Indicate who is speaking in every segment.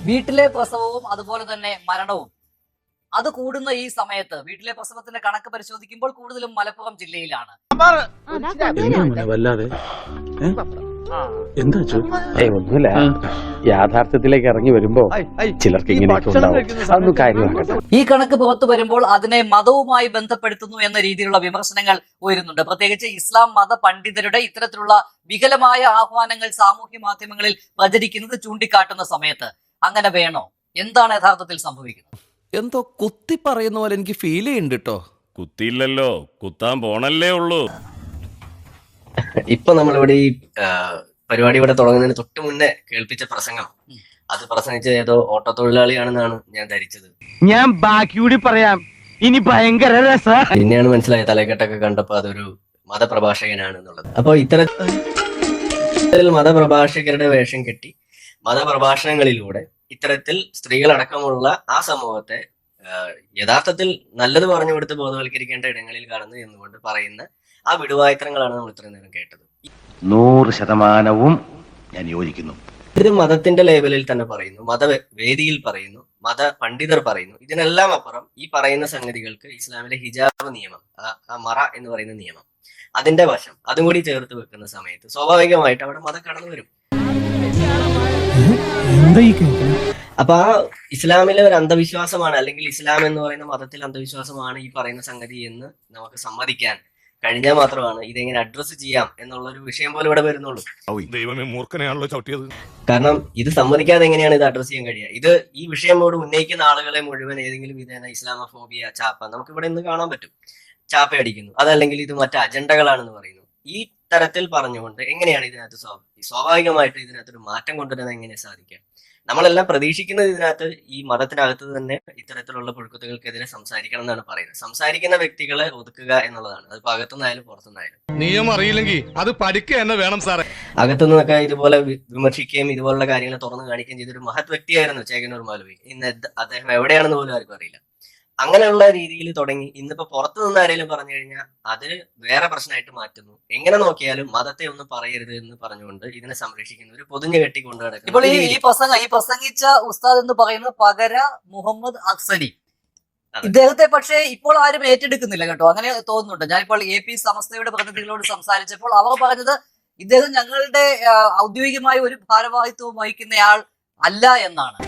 Speaker 1: വീട്ടിലെ പ്രസവവും അതുപോലെ തന്നെ മരണവും അത് കൂടുന്ന ഈ സമയത്ത് വീട്ടിലെ പ്രസവത്തിന്റെ കണക്ക് പരിശോധിക്കുമ്പോൾ കൂടുതലും മലപ്പുറം ജില്ലയിലാണ്.
Speaker 2: വല്ലാതെ എന്താ ഒന്നുമില്ല, യാഥാർത്ഥ്യത്തിലേക്ക് ഇറങ്ങി വരുമ്പോ ചിലർക്ക് ഇങ്ങനെയൊക്കെ ഉണ്ടാവും. അതൊന്നും കാര്യമാക്കട്ടെ.
Speaker 1: ഈ കണക്ക് പുറത്തു വരുമ്പോൾ അതിനെ മതവുമായി ബന്ധപ്പെടുത്തുന്നു എന്ന രീതിയിലുള്ള വിമർശനങ്ങൾ ഉയരുന്നുണ്ട്. പ്രത്യേകിച്ച് ഇസ്ലാം മത പണ്ഡിതരുടെ ഇത്തരത്തിലുള്ള വികലമായ ആഹ്വാനങ്ങൾ സാമൂഹ്യ മാധ്യമങ്ങളിൽ പ്രചരിക്കുന്നത് ചൂണ്ടിക്കാട്ടുന്ന സമയത്ത് അങ്ങനെ വേണോ? എന്താണ് യഥാർത്ഥത്തിൽ സംഭവിക്കുന്നത്?
Speaker 3: എന്തോ കുത്തി പറയുന്ന പോലെ എനിക്ക് ഫീൽ ചെയ്യുന്നുണ്ട് കേട്ടോ.
Speaker 4: കുത്തിയില്ലല്ലോ, കുത്താൻ പോണല്ലേ ഉള്ളൂ.
Speaker 5: ഇപ്പൊ നമ്മളിവിടെ ഈ പരിപാടി ഇവിടെ തുടങ്ങുന്നതിന് തൊട്ട് മുന്നേ കേൾപ്പിച്ച പ്രസംഗം, അത് പ്രസംഗിച്ച ഏതോ ഓട്ടോ തൊഴിലാളിയാണെന്നാണ് ഞാൻ ധരിച്ചത്.
Speaker 6: ഞാൻ ബാക്കിയൂടി പറയാം, ഇനി ഭയങ്കര രസ.
Speaker 5: പിന്നെയാണ് മനസ്സിലായത് തലക്കെട്ടൊക്കെ കണ്ടപ്പോ അതൊരു മതപ്രഭാഷകനാണ് എന്നുള്ളത്. അപ്പൊ ഇത്തരത്തിൽ മതപ്രഭാഷകരുടെ വേഷം കെട്ടി മതപ്രഭാഷണങ്ങളിലൂടെ ഇത്തരത്തിൽ സ്ത്രീകളടക്കമുള്ള ആ സമൂഹത്തെ യഥാർത്ഥത്തിൽ നല്ലത് പറഞ്ഞു കൊടുത്ത് ബോധവൽക്കരിക്കേണ്ട ഇടങ്ങളിൽ കടന്നു എന്നുകൊണ്ട് പറയുന്ന ആ വിടുവായുത്തരങ്ങളാണ് നമ്മൾ ഇത്രയും നേരം കേട്ടത്.
Speaker 6: 100% ഞാൻ യോജിക്കുന്നു.
Speaker 5: ഇത് മതത്തിന്റെ ലേബലിൽ തന്നെ പറയുന്നു, മതവേദിയിൽ പറയുന്നു, മത പണ്ഡിതർ പറയുന്നു. ഇതിനെല്ലാം അപ്പുറം ഈ പറയുന്ന സംഗതികൾക്ക് ഇസ്ലാമിലെ ഹിജാബ് നിയമം, ആ മറ എന്ന് പറയുന്ന നിയമം, അതിന്റെ വശം അതും കൂടി ചേർത്ത് വെക്കുന്ന സമയത്ത് സ്വാഭാവികമായിട്ട് അവിടെ മതം കടന്നു വരും. അപ്പൊ ആ ഇസ്ലാമിലെ ഒരു അന്ധവിശ്വാസമാണ്, അല്ലെങ്കിൽ ഇസ്ലാം എന്ന് പറയുന്ന മതത്തിൽ അന്ധവിശ്വാസമാണ് ഈ പറയുന്ന സംഗതി എന്ന് നമുക്ക് സമ്മതിക്കാൻ കഴിഞ്ഞാൽ മാത്രമാണ് ഇതെങ്ങനെ അഡ്രസ്സ് ചെയ്യാം എന്നുള്ള ഒരു വിഷയം പോലെ ഇവിടെ വരുന്നുള്ളൂ.
Speaker 4: ദൈവമേ, മൂർഖനെയാണല്ലോ ചവിട്ടിയത്.
Speaker 5: കാരണം ഇത് സമ്മതിക്കാതെ എങ്ങനെയാണ് ഇത് അഡ്രസ്സ് ചെയ്യാൻ കഴിയുക? ഇത് ഈ വിഷയമോട് ഉന്നയിക്കുന്ന ആളുകളെ മുഴുവൻ ഏതെങ്കിലും വിധേന ഇസ്ലാമോഫോബിയ, ചാപ്പ, നമുക്ക് ഇവിടെ ഇന്ന് കാണാൻ പറ്റും, ചാപ്പ അടിക്കുന്നു, അതല്ലെങ്കിൽ ഇത് മറ്റ് അജണ്ടകളാണെന്ന് പറയുന്നു. ഈ തരത്തിൽ പറഞ്ഞുകൊണ്ട് എങ്ങനെയാണ് ഇതിനകത്ത് സ്വാഭാവികമായിട്ട് ഇതിനകത്തൊരു മാറ്റം കൊണ്ടുവരാൻ എങ്ങനെ സാധിക്കുക? നമ്മളെല്ലാം പ്രതീക്ഷിക്കുന്നത് ഇതിനകത്ത് ഈ മതത്തിനകത്ത് തന്നെ ഇത്തരത്തിലുള്ള പുഴുക്കുത്തുകൾക്കെതിരെ സംസാരിക്കണം എന്നാണ് പറയുന്നത്. സംസാരിക്കുന്ന വ്യക്തികളെ ഒതുക്കുക എന്നുള്ളതാണ്. അത് അകത്തുനിന്നായാലും പുറത്തുനിന്നായാലും.
Speaker 4: നിയമം അറിയില്ലെങ്കിൽ അത് പഠിക്കുക തന്നെ വേണം സാറേ.
Speaker 5: അകത്തുനിന്നൊക്കെ ഇതുപോലെ വിമർശിക്കുകയും ഇതുപോലുള്ള കാര്യങ്ങൾ തുറന്നു കാണിക്കുകയും ചെയ്തൊരു മഹത് വ്യക്തിയായിരുന്നു ചേകന്നൂർ മാലവി. ഇന്ന് അദ്ദേഹം എവിടെയാണെന്ന് പോലും ആർക്കും അറിയില്ല. അങ്ങനെയുള്ള രീതിയിൽ തുടങ്ങി ഇന്നിപ്പോ പുറത്തു നിന്ന് ആരെങ്കിലും പറഞ്ഞു കഴിഞ്ഞാൽ അത് വേറെ പ്രശ്നമായിട്ട് മാറ്റുന്നു. എങ്ങനെ നോക്കിയാലും മതത്തെ ഒന്നും പറയരുത് എന്ന് പറഞ്ഞുകൊണ്ട് ഇതിനെ സംരക്ഷിക്കുന്ന ഒരു പൊതിഞ്ഞു കെട്ടിക്കൊണ്ട് നടക്കുന്നു.
Speaker 1: ഇപ്പോൾ ഈ പ്രസംഗിച്ച ഉസ്താദ് എന്ന് പറയുന്നത് പകര മുഹമ്മദ് അക്സലി. ഇദ്ദേഹത്തെ പക്ഷേ ഇപ്പോൾ ആരും ഏറ്റെടുക്കുന്നില്ല കേട്ടോ, അങ്ങനെ തോന്നുന്നുണ്ട്. ഞാനിപ്പോൾ AP സമസ്തയുടെ പ്രതിനിധികളോട് സംസാരിച്ചപ്പോൾ അവർ പറഞ്ഞത് ഇദ്ദേഹം ഞങ്ങളുടെ ഔദ്യോഗികമായ ഒരു ഭാരവാഹിത്വം വഹിക്കുന്നയാൾ അല്ല എന്നാണ്.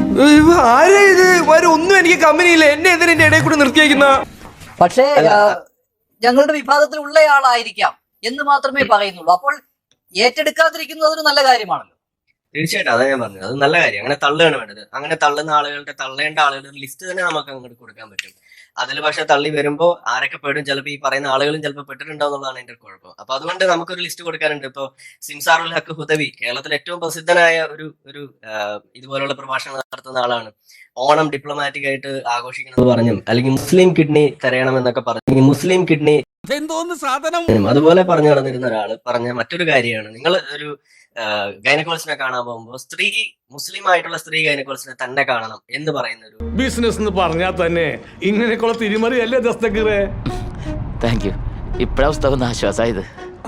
Speaker 3: ഒന്നും എനിക്ക് കമ്പനിയില്ല, എന്നെ എന്തിനെ ഇടയിൽ കൂടെ നിർത്തിയേക്കുന്ന.
Speaker 1: പക്ഷേ ഞങ്ങളുടെ വിഭാഗത്തിൽ ഉള്ളയാളായിരിക്കാം എന്ന് മാത്രമേ പറയുന്നുള്ളൂ. അപ്പോൾ ഏറ്റെടുക്കാതിരിക്കുന്നത് ഒരു നല്ല കാര്യമാണല്ലോ.
Speaker 5: തീർച്ചയായിട്ടും അതാ ഞാൻ പറഞ്ഞത്, അത് നല്ല കാര്യം. അങ്ങനെ തള്ളുകയാണ് വേണ്ടത്. അങ്ങനെ തള്ളുന്ന ആളുകളുടെ, തള്ളേണ്ട ആളുകളുടെ ലിസ്റ്റ് തന്നെ നമുക്ക് അങ്ങോട്ട് കൊടുക്കാൻ പറ്റും. അതിൽ പക്ഷെ തള്ളി വരുമ്പോ ആരൊക്കെ പെടും, ചിലപ്പോൾ ഈ പറയുന്ന ആളുകളും ചിലപ്പോൾ പെട്ടിട്ടുണ്ടാവും എന്നുള്ളതാണ് എന്റെ കുഴപ്പം. അപ്പൊ അതുകൊണ്ട് നമുക്കൊരു ലിസ്റ്റ് കൊടുക്കാനുണ്ട്. ഇപ്പൊ സിംസാറുൽ ഹക്ക് ഹുദവി കേരളത്തിൽ ഏറ്റവും പ്രസിദ്ധനായ ഒരു ഇതുപോലുള്ള പ്രഭാഷണം നടത്തുന്ന ആളാണ്. ഓണം ഡിപ്ലോമാറ്റിക് ആയിട്ട് ആഘോഷിക്കണമെന്ന് പറഞ്ഞും, അല്ലെങ്കിൽ മുസ്ലിം കിഡ്നി തരയണം എന്നൊക്കെ പറഞ്ഞു, മുസ്ലിം കിഡ്നി അതുപോലെ പറഞ്ഞു നടന്നിരുന്ന ഒരാള് പറഞ്ഞ മറ്റൊരു കാര്യമാണ്, നിങ്ങൾ ഒരു ഗൈനക്കോളജിനെ കാണാൻ പോകുമ്പോൾ മുസ്ലിം ആയിട്ടുള്ള സ്ത്രീ ഗൈനക്കോളജിനെ തന്നെ കാണണം എന്ന് പറയുന്ന ഒരു
Speaker 4: ബിസിനസ് എന്ന് പറഞ്ഞാൽ തന്നെ ഇങ്ങനെയൊക്കെയുള്ള തിരിമറിയല്ലേ ദസ്തഗിറേ.
Speaker 7: Thank you. ഇപ്പോഴാണ് ആശ്വാസമായത്.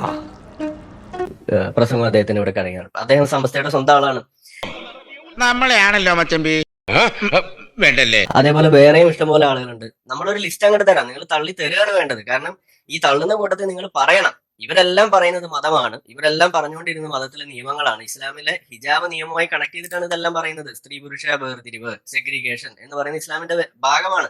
Speaker 5: പ്രസംഗം അദ്ദേഹത്തിന് ഇവിടെ കറങ്ങിയാണ്. അദ്ദേഹം സമസ്തയുടെ സ്വന്തം ആളാണ്.
Speaker 6: നമ്മളെയാണല്ലോ മച്ചമ്പി വേണ്ടല്ലേ.
Speaker 5: അതേപോലെ വേറെയും ഇഷ്ടംപോലെ ആളുകളുണ്ട്. നമ്മളൊരു ലിസ്റ്റ് അങ്ങോട്ട് തരാം, നിങ്ങൾ തള്ളി തരികയാണ് വേണ്ടത്. കാരണം ഈ തള്ളുന്ന കൂട്ടത്തിൽ നിങ്ങൾ പറയണം, ഇവരെല്ലാം പറയുന്നത് മതമാണ്, ഇവരെല്ലാം പറഞ്ഞുകൊണ്ടിരുന്ന മതത്തിലെ നിയമങ്ങളാണ്, ഇസ്ലാമിലെ ഹിജാബ് നിയമവുമായി കണക്ട് ചെയ്തിട്ടാണ് ഇതെല്ലാം പറയുന്നത്. സ്ത്രീ പുരുഷ വേർതിരിവ്, സെഗ്രിഗേഷൻ എന്ന് പറയുന്ന ഇസ്ലാമിന്റെ ഭാഗമാണ്.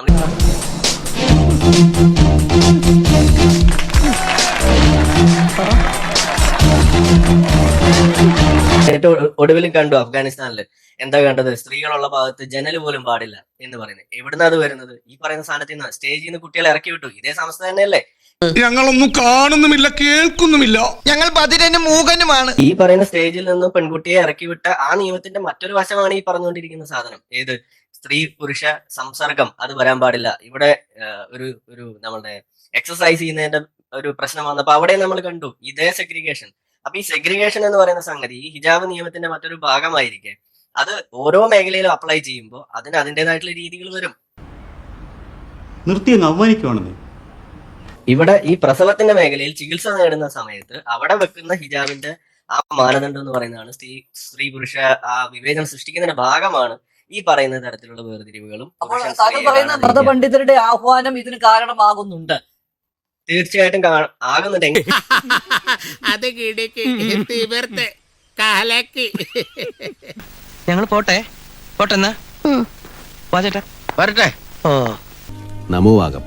Speaker 5: ഏറ്റവും ഒടുവിലും കണ്ടു അഫ്ഗാനിസ്ഥാനില് എന്താ കണ്ടത്, സ്ത്രീകളുള്ള ഭാഗത്ത് ജനൽ പോലും പാടില്ല എന്ന് പറയുന്നത്. എവിടുന്നാ അത് വരുന്നത്? ഈ പറയുന്ന സ്ഥാനത്ത് നിന്ന് സ്റ്റേജിൽ നിന്ന് കുട്ടികളെ ഇറക്കി വിട്ടു. ഇതേ സംസ്ഥ തന്നെയല്ലേ.
Speaker 4: ഞങ്ങളൊന്നും കാണുന്നുമില്ല, കേൾക്കുന്നുമില്ല,
Speaker 6: ഞങ്ങൾ ബധിരനും മൂകനുമാണ്.
Speaker 5: ഈ പറയുന്ന സ്റ്റേജിൽ നിന്ന് പെൺകുട്ടിയെ ഇറക്കി വിട്ട ആ നിയമത്തിന്റെ മറ്റൊരു വശമാണ് ഈ പറഞ്ഞുകൊണ്ടിരിക്കുന്ന സാധനം. ഏത്? സ്ത്രീ പുരുഷ സംസർഗം അത് വരാൻ പാടില്ല. ഇവിടെ ഒരു നമ്മളുടെ എക്സസൈസ് ചെയ്യുന്നതിന്റെ ഒരു പ്രശ്നം വന്നപ്പോ അവിടെ നമ്മൾ കണ്ടു ഇതേ സെഗ്രിഗേഷൻ. അപ്പൊ ഈ സെഗ്രിഗേഷൻ എന്ന് പറയുന്ന സംഗതി ഈ ഹിജാബ് നിയമത്തിന്റെ മറ്റൊരു ഭാഗമായിരിക്കെ അത് ഓരോ മേഖലയിലും അപ്ലൈ ചെയ്യുമ്പോൾ അതിന് അതിൻ്റെതായിട്ടുള്ള രീതികൾ വരും.
Speaker 2: നിർത്തിയങ്ങ് അവമാനിക്കുവാണെന്ന്.
Speaker 5: ഇവിടെ ഈ പ്രസവത്തിന്റെ മേഖലയിൽ ചികിത്സ നേടുന്ന സമയത്ത് അവിടെ വെക്കുന്ന ഹിജാബിന്റെ ആ മാനദണ്ഡം എന്ന് പറയുന്നതാണ് സ്ത്രീ പുരുഷ ആ വിവേചനം സൃഷ്ടിക്കുന്നതിന്റെ ഭാഗമാണ് ഈ പറയുന്ന തരത്തിലുള്ള വേർതിരിവുകളും.
Speaker 1: അപ്പോൾ
Speaker 5: പുരുഷൻ
Speaker 1: താങ്കൾ
Speaker 5: സ്ത്രീയെ
Speaker 1: പറയുന്ന
Speaker 5: കാണാൻ
Speaker 1: മതപണ്ഡിതരുടെ ആഹ്വാനം ഇതിന് കാരണമാകുന്നുണ്ട്.
Speaker 5: തീർച്ചയായിട്ടും ആകുന്നുണ്ടെങ്കിൽ
Speaker 8: അത് കിടക്ക് തീവർത്ത് കാലക്ക്.
Speaker 6: ഞങ്ങൾ പോട്ടെ പോട്ടെന്നാ ചേട്ടാ
Speaker 8: വരട്ടെ.
Speaker 6: ഓ
Speaker 2: നമോവാകം.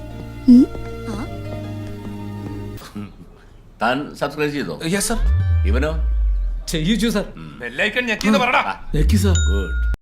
Speaker 9: താൻ സബ്സ്ക്രൈബ് ചെയ്തോ?
Speaker 3: Yes sir.
Speaker 9: ഇവനോ?
Speaker 3: ചെയ്യിച്ചു സർ.
Speaker 9: ഗുഡ്.